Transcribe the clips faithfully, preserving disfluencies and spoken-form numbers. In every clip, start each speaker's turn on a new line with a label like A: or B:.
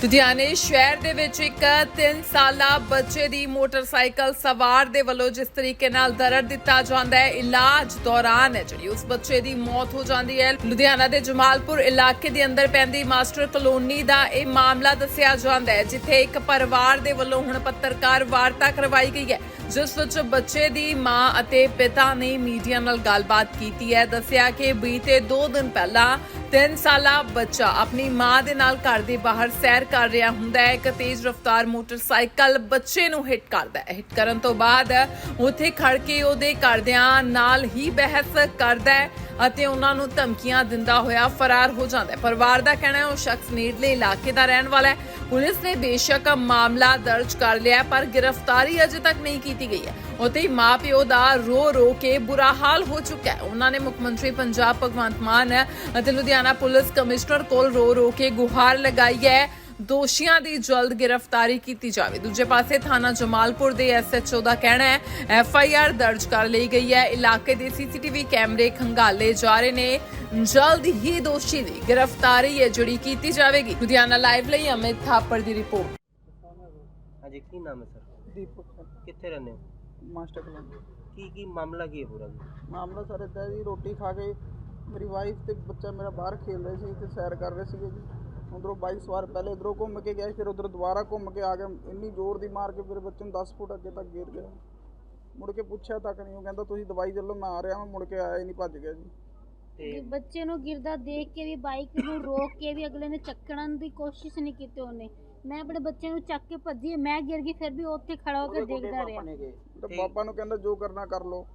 A: ਲੁਧਿਆਣੇ ਸ਼ਹਿਰ ਦੇ ਵਿੱਚ ਇੱਕ ਤਿੰਨ ਸਾਲਾ ਬੱਚੇ ਦੀ ਮੋਟਰਸਾਈਕਲ ਸਵਾਰ ਦੇ ਵੱਲੋਂ ਜਿਸ ਤਰੀਕੇ ਨਾਲ ਦਰਦ ਦਿੱਤਾ ਜਾਂਦਾ ਹੈ, ਇਲਾਜ ਦੌਰਾਨ ਹੈ ਜਿਹੜੀ ਉਸ ਬੱਚੇ ਦੀ ਮੌਤ ਹੋ ਜਾਂਦੀ ਹੈ। ਲੁਧਿਆਣਾ ਦੇ ਜਮਾਲਪੁਰ ਇਲਾਕੇ ਦੇ ਅੰਦਰ ਪੈਂਦੀ ਮਾਸਟਰ ਕਲੋਨੀ ਦਾ ਇਹ ਮਾਮਲਾ ਦੱਸਿਆ ਜਾਂਦਾ ਹੈ, ਜਿੱਥੇ ਇੱਕ ਪਰਿਵਾਰ ਦੇ ਵੱਲੋਂ ਹੁਣ ਪੱਤਰਕਾਰ ਵਾਰਤਾ ਕਰਵਾਈ ਗਈ ਹੈ, ਜਿਸ ਵਿੱਚ ਬੱਚੇ ਦੀ ਮਾਂ ਅਤੇ ਪਿਤਾ ਨੇ ਮੀਡੀਆ ਨਾਲ ਗੱਲਬਾਤ ਕੀਤੀ ਹੈ। ਦੱਸਿਆ ਕਿ ਬੀਤੇ ਦੋ ਦਿਨ ਪਹਿਲਾਂ ਤਿੰਨ ਸਾਲਾ ਬੱਚਾ ਆਪਣੀ ਮਾਂ ਦੇ ਨਾਲ ਘਰ ਦੇ ਬਾਹਰ ਸੈਰ ਕਰ ਰਿਹਾ ਹੁੰਦਾ ਹੈ। ਇੱਕ ਤੇਜ਼ ਰਫ਼ਤਾਰ ਮੋਟਰਸਾਈਕਲ ਬੱਚੇ ਨੂੰ ਹਿੱਟ ਕਰਦਾ ਹੈ। ਹਿੱਟ ਕਰਨ ਤੋਂ ਬਾਅਦ ਉੱਥੇ ਖੜ ਕੇ ਉਹਦੇ ਘਰਦਿਆਂ ਨਾਲ ਹੀ ਬਹਿਸ ਕਰਦਾ ਹੈ ਅਤੇ ਉਹਨਾਂ ਨੂੰ ਧਮਕੀਆਂ ਦਿੰਦਾ ਹੋਇਆ ਫਰਾਰ ਹੋ ਜਾਂਦਾ ਹੈ। ਪਰਿਵਾਰ ਦਾ ਕਹਿਣਾ ਹੈ ਉਹ ਸ਼ਖਸ ਨੇੜਲੇ ਇਲਾਕੇ ਦਾ ਰਹਿਣ ਵਾਲਾ ਹੈ। ਪੁਲਿਸ ਨੇ ਬੇਸ਼ੱਕ ਮਾਮਲਾ ਦਰਜ ਕਰ ਲਿਆ ਪਰ ਗ੍ਰਿਫਤਾਰੀ ਅਜੇ ਤੱਕ ਨਹੀਂ ਕੀਤੀ ਗਈ ਹੈ। ਉੱਥੇ ਮਾਂ ਪਿਓ ਦਾ ਰੋ ਰੋ ਕੇ ਬੁਰਾ ਹਾਲ ਹੋ ਚੁੱਕਾ ਹੈ। ਉਹਨਾਂ ਨੇ ਮੁੱਖ ਮੰਤਰੀ ਪੰਜਾਬ ਭਗਵੰਤ ਮਾਨ ਅਤੇ ਲੁਧਿਆਣਾ ਪੁਲਿਸ ਕਮਿਸ਼ਨਰ ਕੋਲ ਰੋ ਰੋ ਕੇ ਗੁਹਾਰ ਲਗਾਈ ਹੈ, ਦੋਸ਼ੀਆਂ ਦੀ ਜਲਦ ਗ੍ਰਿਫਤਾਰੀ ਕੀਤੀ ਜਾਵੇ। ਦੂਜੇ ਪਾਸੇ ਥਾਣਾ ਜਮਾਲਪੁਰ ਦੇ ਐਸ ਐਚ ਓ ਦਾ ਕਹਿਣਾ ਹੈ ਐਫ ਆਈ ਆਰ ਦਰਜ ਕਰ ਲਈ ਗਈ ਹੈ। ਇਲਾਕੇ ਦੇ ਸੀ ਸੀ ਟੀ ਵੀ ਕੈਮਰੇ ਖੰਗਾਲੇ ਜਾ ਰਹੇ ਨੇ, ਜਲਦ ਹੀ ਦੋਸ਼ੀ ਦੀ ਗ੍ਰਿਫਤਾਰੀ ਹੈ ਜਿਹੜੀ ਕੀਤੀ ਜਾਵੇਗੀ। ਲੁਧਿਆਣਾ ਲਾਈਵ ਲਈ ਅਮਿਤ ਥਾਪੜ ਦੀ ਰਿਪੋਰਟ।
B: ਹਾਂਜੀ, ਕੀ ਨਾਮ ਹੈ ਸਰ?
C: ਦੀਪਕ
B: ਕਿੱਥੇ ਰਹਿੰਦੇ ਹੋ?
C: Master colony.
B: ਕੀ ਕੀ ਮਾਮਲਾ ਕੀ ਹੈ ਪੂਰਾ ਜੀ?
C: ਮਾਮਲਾ ਸਰ ਇੱਦਾਂ ਜੀ, ਰੋਟੀ ਖਾ ਕੇ ਮੇਰੀ ਵਾਈਫ ਤੇ ਬੱਚਾ ਮੇਰਾ ਬਾਹਰ ਖੇਲ ਰਹੇ ਸੀ ਤੇ ਸੈਰ ਕਰ ਰਹੇ ਸੀਗੇ ਜੀ। ਉਧਰੋਂ ਬਾਈਕ ਸਵਾਰ ਪਹਿਲੇ ਇਧਰੋਂ ਘੁੰਮ ਕੇ ਗਿਆ, ਫਿਰ ਉਧਰ ਦੁਬਾਰਾ ਘੁੰਮ ਕੇ ਆ ਗਿਆ, ਇੰਨੀ ਜ਼ੋਰ ਦੀ ਮਾਰ ਕੇ ਮੇਰੇ ਬੱਚੇ ਨੂੰ ਦਸ ਫੁੱਟ ਅੱਗੇ ਤੱਕ ਗਿਰ ਗਿਆ। ਮੁੜ ਕੇ ਪੁੱਛਿਆ ਤੱਕ ਨਹੀਂ, ਉਹ ਕਹਿੰਦਾ ਤੁਸੀਂ ਦਵਾਈ ਚੱਲੋ ਮੈਂ ਆ ਰਿਹਾ ਹਾਂ। ਮੁੜ ਕੇ ਆਇਆ ਹੀ ਨਹੀਂ, ਭੱਜ ਗਿਆ ਜੀ।
B: ਤੇ
D: ਬੱਚੇ ਨੂੰ ਗਿਰਦਾ ਦੇਖ ਕੇ ਵੀ ਬਾਈਕ ਨੂੰ ਰੋਕ ਕੇ ਵੀ ਅਗਲੇ ਨੇ ਚੱਕਣ ਦੀ ਕੋਸ਼ਿਸ਼ ਨਹੀਂ ਕੀਤੀ ਉਹਨੇ। ਮੈਂ ਆਪਣੇ ਬੱਚੇ ਨੂੰ ਚੱਕ ਕੇ ਭੱਜੀ, ਮੈਂ ਗਿਰ ਗਈ, ਫਿਰ ਵੀ ਉੱਥੇ ਖੜਾ ਹੋ ਕੇ ਦੇਖਦਾ ਰਿਹਾ।
C: ਤੇ ਪਾਪਾ ਨੂੰ ਕਹਿੰਦਾ ਜੋ ਕਰਨਾ ਕਰ ਲੋ।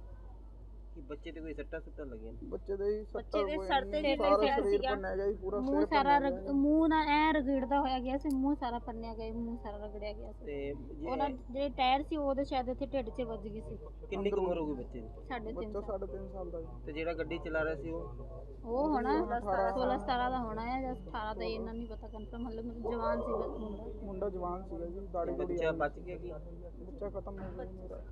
B: ਕੀ ਬੱਚੇ ਤੇ ਕੋਈ ਸੱਟਾਂ ਸੁੱਟਾਂ ਲੱਗੀਆਂ?
C: ਬੱਚੇ ਦੇ ਹੀ ਸੱਟਾਂ
D: ਬੱਚੇ ਦੇ
C: ਹੋਈਆਂ
D: ਸਰ ਤੇ
C: ਜੀ,
D: ਜਿਹੜਾ
C: ਸਾਰਾ
D: ਪਿਆ
C: ਸਰੀਰ
D: ਸੀਗਾ,
C: ਭੰਨਿਆ ਗਿਆ ਜੀ, ਪੂਰਾ
D: ਮੂੰਹ
C: ਸਿਰ
D: ਸਾਰਾ
C: ਭੰਨਿਆ
D: ਰਗ-
C: ਗਿਆ।
D: ਮੂੰਹ ਨਾਲ ਐ ਰਗੜਦਾ ਹੋਇਆ ਗਿਆ ਸੀ, ਮੂੰਹ ਸਾਰਾ ਪੰਨਿਆ ਗਿਆ, ਮੂੰਹ ਸਾਰਾ ਰਗੜਿਆ ਗਿਆ ਸੀ।
B: ਤੇ ਜੀ
D: ਉਹਨਾਂ ਜਿਹੜੇ ਟਾਇਰ ਸੀ ਉਹਦੇ ਸ਼ਾਇਦ ਇੱਥੇ ਢਿੱਡ 'ਚ ਵੱਜ ਗਈ ਸੀ।
B: ਕਿੰਨੀ ਕੁ ਉਮਰ ਹੋ ਗਈ ਬੱਚੇ ਦੀ?
D: ਸਾਢੇ ਤਿੰਨ
C: ਬੱਚਾ
D: ਸਾਲ
C: ਸਾਢੇ ਤਿੰਨ ਸਾਲ ਦਾ ਜੀ।
B: ਤੇ ਜਿਹੜਾ ਗੱਡੀ ਚਲਾ ਰਿਹਾ ਸੀ ਉਹ?
D: ਉਹ ਹੋਣਾ ਸੋਲਾਂ ਸਤਾਰਾਂ ਦਾ ਹੋਣਾ ਹੈ ਜਾਂ ਅਠਾਰਾਂ ਦਾ, ਇਹਨਾਂ ਨਹੀਂ ਪਤਾ ਕਨਫਰਮ। ਮਤਲਬ ਜਵਾਨ ਸੀ ਮੁੰਡਾ।
C: ਮੁੰਡਾ ਜਵਾਨ ਸੀਗਾ ਜੀ, ਦਾੜੀ ਦੂੜੀ
B: ਬੱਚਾ ਬਚ ਗਿਆ ਕੀ?
C: ਬੱਚਾ ਖਤਮ ਹੋ ਗਿਆ ਮੇਰਾ।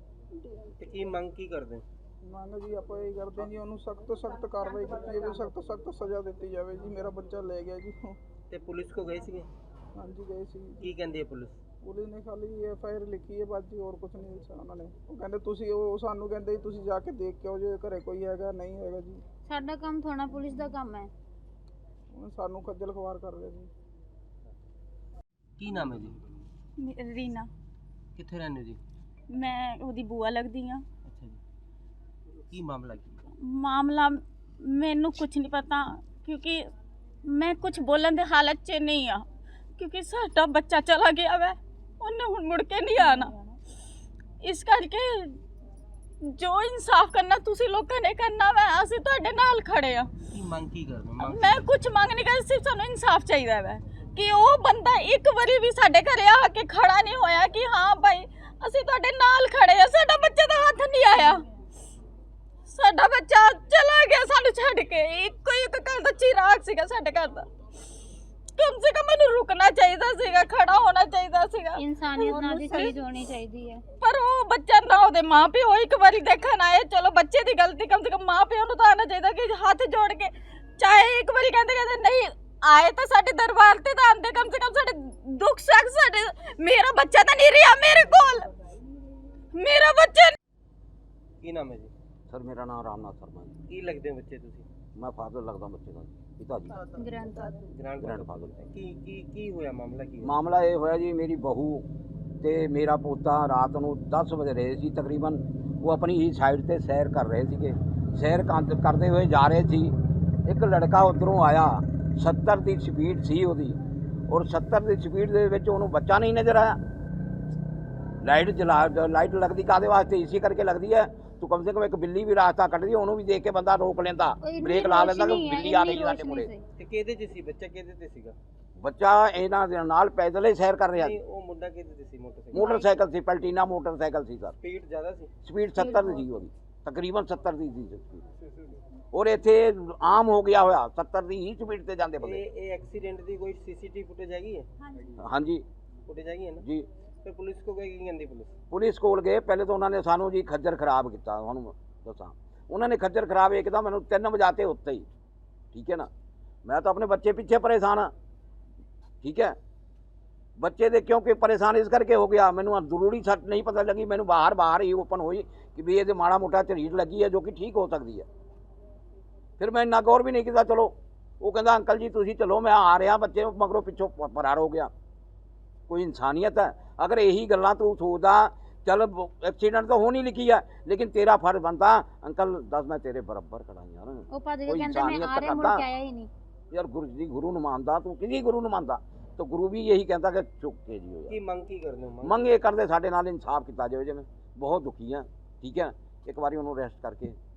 B: ਤੇ ਕੀ ਮੰਗ ਕੀ ਕਰਦੇ?
C: ਮੰਗ ਜੀ ਆਪਾਂ ਇਹ ਕਰਦੇ ਹਾਂ ਜੀ, ਉਹਨੂੰ ਸਖਤ ਤੋਂ ਸਖਤ ਕਾਰਵਾਈ ਕੀਤੀ ਜਾਵੇ, ਸਖਤ ਤੋਂ ਸਖਤ ਸਜ਼ਾ ਦਿੱਤੀ ਜਾਵੇ ਜੀ। ਮੇਰਾ ਬੱਚਾ ਲੈ ਗਿਆ ਜੀ।
B: ਤੇ ਪੁਲਿਸ ਕੋ ਗਏ ਸੀਗੇ?
C: ਹਾਂਜੀ ਗਏ ਸੀ।
B: ਕੀ ਕਹਿੰਦੀ ਹੈ ਪੁਲਿਸ?
C: ਪੁਲਿਸ ਨੇ ਖਾਲੀ ਐਫ ਆਈ ਆਰ ਲਿਖੀ ਹੈ ਬਸ ਜੀ, ਹੋਰ ਕੁਝ ਨਹੀਂ ਲਿਖਿਆ ਉਹਨਾਂ ਨੇ। ਉਹ ਕਹਿੰਦੇ ਤੁਸੀਂ, ਉਹ ਸਾਨੂੰ ਕਹਿੰਦੇ ਤੁਸੀਂ ਜਾ ਕੇ ਦੇਖ ਕੇ ਆਓ ਜੇ ਘਰੇ ਕੋਈ ਹੈਗਾ ਨਹੀਂ ਹੈਗਾ ਜੀ।
D: ਸਾਡਾ ਕੰਮ ਥੋੜਾ ਪੁਲਿਸ ਦਾ ਕੰਮ ਹੈ।
C: ਉਹ ਸਾਨੂੰ ਖੱਜਲ ਖਵਾਰ ਕਰ ਰਹੇ ਜੀ।
B: ਕੀ ਨਾਮ ਹੈ ਜੀ?
E: ਰੀਨਾ।
B: ਕਿੱਥੇ ਰਹਿੰਦੇ ਹੋ ਜੀ?
E: ਮੈਂ ਉਹਦੀ ਬੂਆ ਲੱਗਦੀ ਆ।
B: ਅੱਛਾ ਜੀ, ਕੀ ਮਾਮਲਾ ਕੀ?
E: ਮਾਮਲਾ ਮੈਨੂੰ ਕੁਝ ਨਹੀਂ ਪਤਾ, ਕਿਉਂਕਿ ਮੈਂ ਕੁਝ ਬੋਲਣ ਦੇ ਹਾਲਤ 'ਚ ਨਹੀਂ ਆ, ਕਿਉਂਕਿ ਸਾਡਾ ਬੱਚਾ ਚਲਾ ਗਿਆ ਵੈ, ਉਹਨੇ ਹੁਣ ਮੁੜ ਕੇ ਨਹੀਂ ਆਣਾ। ਇਸ ਕਰਕੇ ਜੋ ਇਨਸਾਫ ਕਰਨਾ ਤੁਸੀਂ ਲੋਕਾਂ ਨੇ ਕਰਨਾ ਵੈ, ਅਸੀਂ ਤੁਹਾਡੇ ਨਾਲ ਖੜੇ ਆ।
B: ਕੀ ਮੰਗ ਕੀ ਕਰਦੇ? ਮੰਗ
E: ਮੈਂ ਕੁਝ ਮੰਗ ਨਹੀਂ ਕਰਦੀ, ਸਿਰਫ ਸਾਨੂੰ ਇਨਸਾਫ ਚਾਹੀਦਾ ਵੈ ਕਿ ਉਹ ਬੰਦਾ ਇੱਕ ਵਾਰੀ ਵੀ ਸਾਡੇ ਘਰੇ ਆ ਕੇ ਖੜਾ ਨਹੀਂ ਹੋਇਆ ਕਿ ਹਾਂ ਭਾਈ ਅਸੀਂ ਤੁਹਾਡੇ ਨਾਲ ਖੜੇ ਆ। ਸਾਡਾ ਬੱਚੇ ਦਾ ਹੱਥ ਨਹੀਂ ਆਇਆ, ਸਾਡਾ ਬੱਚਾ ਚਲਾ ਗਿਆ ਸਾਨੂੰ ਛੱਡ ਕੇ। ਇੱਕੋ ਇੱਕ ਘਰ ਦਾ ਚਿਰਾਗ ਸੀਗਾ ਸਾਡੇ ਘਰ ਦਾ, ਕਮ ਸੇ ਕਮ ਮੈਨੂੰ ਰੁਕਣਾ ਚਾਹੀਦਾ ਸੀਗਾ, ਖੜਾ ਹੋਣਾ ਚਾਹੀਦਾ ਸੀਗਾ।
D: ਇਨਸਾਨੀਅਤ ਨਾਲ ਦੀ ਚੀਜ਼ ਹੋਣੀ ਚਾਹੀਦੀ ਹੈ।
E: ਪਰ ਉਹ ਬੱਚਾ ਨਾ, ਉਹਦੇ ਮਾਂ ਪਿਓ ਇੱਕ ਵਾਰੀ ਦੇਖਣ ਆਏ, ਚਲੋ ਬੱਚੇ ਦੀ ਗਲਤੀ, ਕਮ ਸੇ ਕਮ ਮਾਂ ਪਿਓ ਨੂੰ ਤਾਂ ਆਉਣਾ ਚਾਹੀਦਾ ਕਿ ਹੱਥ ਜੋੜ ਕੇ, ਚਾਹੇ ਇੱਕ ਵਾਰੀ ਕਹਿੰਦੇ ਕਹਿੰਦੇ ਨਹੀਂ ਆਏ ਤਾਂ ਸਾਡੇ ਦਰਬਾਰ ਤੇ ਤਾਂ ਆਂਦੇ, ਕਮ ਸੇ ਕਮ ਸਾਡੇ ਦੁੱਖ ਸੁੱਖ ਸਾਡੇ। ਮੇਰਾ ਬੱਚਾ ਤਾਂ ਨਹੀਂ ਰਿਹਾ ਮੇਰੇ ਕੋਲ, ਮੇਰਾ ਬੱਚਾ।
B: ਕੀ ਨਾਮ ਹੈ ਜੀ?
F: ਸਰ ਮੇਰਾ ਨਾਮ ਰਾਮਨਾਥ ਸ਼ਰਮਾ ਜੀ।
B: ਕੀ ਲੱਗਦੇ ਹੋ ਬੱਚੇ ਤੁਸੀਂ?
F: ਮੈਂ ਫਾਦਰ ਲੱਗਦਾ ਬੱਚੇ ਦਾ, ਪਿਤਾ ਜੀ,
D: ਗ੍ਰੰਥ
B: ਗ੍ਰਾਂਡ
F: ਗ੍ਰੈਂਡਫਾਦਰ।
B: ਕੀ ਕੀ ਕੀ ਹੋਇਆ? ਮਾਮਲਾ ਕੀ ਹੋਇਆ?
F: ਮਾਮਲਾ ਇਹ ਹੋਇਆ ਜੀ, ਮੇਰੀ ਬਹੂ ਤੇ ਮੇਰਾ ਪੋਤਾ ਰਾਤ ਨੂੰ ਦਸ ਵਜੇ ਰਹੇ ਸੀ ਤਕਰੀਬਨ। ਉਹ ਆਪਣੀ ਹੀ ਸਾਈਡ ਤੇ ਸੈਰ ਕਰ ਰਹੇ ਸੀਗੇ। ਸੈਰ ਕਰ- ਕਰਦੇ ਹੋਏ ਜਾ ਰਹੇ ਸੀ, ਇੱਕ ਲੜਕਾ ਉੱਧਰੋਂ ਆਇਆ, ਸੱਤਰ ਦੀ ਸਪੀਡ ਸੀ ਉਹਦੀ, ਔਰ ਸੱਤਰ ਦੀ ਸਪੀਡ ਦੇ ਵਿੱਚ ਉਹਨੂੰ ਬੱਚਾ ਨਹੀਂ ਨਜ਼ਰ ਆਇਆ। ਲਾਈਟ ਜਲਾ ਲਾਈਟ ਲੱਗਦੀ ਕਾਹਦੇ ਵਾਸਤੇ? ਇਸੇ ਕਰਕੇ ਲੱਗਦੀ ਹੈ ਤੂੰ ਕਮ ਸੇ ਕਮ ਇੱਕ ਬਿੱਲੀ ਵੀ ਰਾਸਤਾ ਕੱਢਦੀ, ਉਹਨੂੰ ਵੀ ਦੇਖ ਕੇ ਬੰਦਾ ਰੋਕ ਲੈਂਦਾ, ਬ੍ਰੇਕ ਲਾ ਲੈਂਦਾ ਕਿ ਬਿੱਲੀ ਆ ਰਹੀ ਸਾਡੇ ਮੂਹਰੇ।
B: ਤੇ ਕਿਹਦੇ 'ਚ ਸੀ ਬੱਚਾ? ਕਿਹਦੇ ਤੇ ਸੀਗਾ
F: ਬੱਚਾ? ਇਹਨਾਂ ਦੇ ਨਾਲ ਪੈਦਲ ਹੀ ਸੈਰ ਕਰ ਰਿਹਾ ਸੀ।
B: ਨਹੀਂ, ਉਹ ਮੁੰਡਾ ਕਿਹਦੇ ਤੇ ਸੀ? ਮੋਟਰਸਾਈਕਲ?
F: ਮੋਟਰਸਾਈਕਲ ਸੀ, ਪਲਟੀਨਾ ਮੋਟਰਸਾਈਕਲ ਸੀ ਸਰ।
B: ਸਪੀਡ ਜ਼ਿਆਦਾ ਸੀ?
F: ਸਪੀਡ ਸੱਤਰ ਦੀ ਸੀ ਉਹਦੀ, ਤਕਰੀਬਨ ਸੱਤਰ ਦੀ ਸੀ ਸਪੀਡ। ਔਰ ਇੱਥੇ ਆਮ ਹੋ ਗਿਆ ਹੋਇਆ ਸੱਤਰ ਦੀ ਹੀ ਸਪੀਡ ਤੇ ਜਾਂਦੇ ਬੰਦੇ।
B: ਇਹ ਇਹ ਐਕਸੀਡੈਂਟ ਦੀ ਕੋਈ ਸੀਸੀਟੀਵੀ ਫੁਟੇਜ ਹੈਗੀ ਹੈ?
F: ਹਾਂਜੀ
B: ਫੁਟੇਜ ਹੈਗੀ ਹੈ ਨਾ?
F: ਜੀ।
B: ਫਿਰ ਪੁਲਿਸ ਕੋ ਗਏ? ਕੀ ਕਹਿੰਦੀ ਪੁਲਿਸ?
F: ਪੁਲਿਸ ਕੋਲ ਗਏ, ਪਹਿਲੇ ਤਾਂ ਉਹਨਾਂ ਨੇ ਸਾਨੂੰ ਜੀ ਖੱਜਰ ਖਰਾਬ ਕੀਤਾ। ਤੁਹਾਨੂੰ ਦੱਸਾਂ, ਉਹਨਾਂ ਨੇ ਖੱਜਰ ਖਰਾਬ ਇੱਕਦਮ ਮੈਨੂੰ ਤਿੰਨ ਵਜਾਤੇ ਉੱਤੇ ਹੀ, ਠੀਕ ਹੈ ਨਾ। ਮੈਂ ਤਾਂ ਆਪਣੇ ਬੱਚੇ ਪਿੱਛੇ ਪਰੇਸ਼ਾਨ ਹਾਂ, ਠੀਕ ਹੈ। ਬੱਚੇ ਦੇ ਕਿਉਂਕਿ ਪਰੇਸ਼ਾਨ ਇਸ ਕਰਕੇ ਹੋ ਗਿਆ, ਮੈਨੂੰ ਜ਼ਰੂਰੀ ਸੱਟ ਨਹੀਂ ਪਤਾ ਲੱਗੀ, ਮੈਨੂੰ ਬਾਹਰ ਬਾਹਰ ਹੀ ਓਪਨ ਹੋਈ ਕਿ ਵੀ ਇਹਦੇ ਮਾੜਾ ਮੋਟਾ ਝਰੀਟ ਲੱਗੀ ਹੈ ਜੋ ਕਿ ਠੀਕ ਹੋ ਸਕਦੀ ਹੈ। ਫਿਰ ਮੈਂ ਇੰਨਾ ਗੌਰ ਵੀ ਨਹੀਂ ਕੀਤਾ। ਚਲੋ ਉਹ ਕਹਿੰਦਾ ਅੰਕਲ ਜੀ ਤੁਸੀਂ ਚਲੋ ਮੈਂ ਆ ਰਿਹਾ, ਬੱਚੇ ਮਗਰੋਂ ਪਿੱਛੋਂ ਪ- ਫਰਾਰ ਹੋ ਗਿਆ। ਕੋਈ ਇਨਸਾਨੀਅਤ ਹੈ? ਅਗਰ ਇਹੀ ਗੱਲਾਂ ਤੂੰ ਸੋਚਦਾ ਚੱਲ ਐਕਸੀਡੈਂਟ ਤਾਂ ਹੋਣੀ ਲਿਖੀ ਹੈ, ਲੇਕਿਨ ਤੇਰਾ ਫਰਜ਼ ਬਣਦਾ ਅੰਕਲ ਦੱਸ ਮੈਂ ਤੇਰੇ ਬਰਾਬਰ ਖੜਾ ਯਾਰ।
D: ਉਹ ਭੱਜ ਕੇ
F: ਕੋਈ
D: ਕਹਿੰਦੇ ਮੈਂ
F: ਇਨਸਾਨੀਅਤ
D: ਆ ਰਿਹਾ, ਮੁੜ
F: ਕਰਦਾ।
D: ਕੇ ਆਇਆ ਹੀ ਨਹੀਂ।
F: ਯਾਰ ਗੁਰੂ ਜੀ ਗੁਰੂ ਨੂੰ ਮੰਨਦਾ ਤੂੰ, ਕਿਸੇ ਗੁਰੂ ਨੂੰ ਮੰਨਦਾ ਤਾਂ ਗੁਰੂ ਵੀ ਇਹੀ ਕਹਿੰਦਾ ਕਿ ਚੁੱਕ ਕੇ ਜੀ ਹੋ
B: ਕੀ
F: ਜਾ।
B: ਮੰਗ ਕੀ ਕਰਦੇ ਹੋ?
F: ਮੰਗ ਇਹ ਕਰਦੇ ਸਾਡੇ ਨਾਲ ਇਨਸਾਫ ਕੀਤਾ ਜਾਵੇ, ਜਿਵੇਂ ਬਹੁਤ ਦੁਖੀ ਆ। ਠੀਕ ਹੈ, ਇੱਕ ਵਾਰੀ ਉਹਨੂੰ ਅਰੈਸਟ ਕਰਕੇ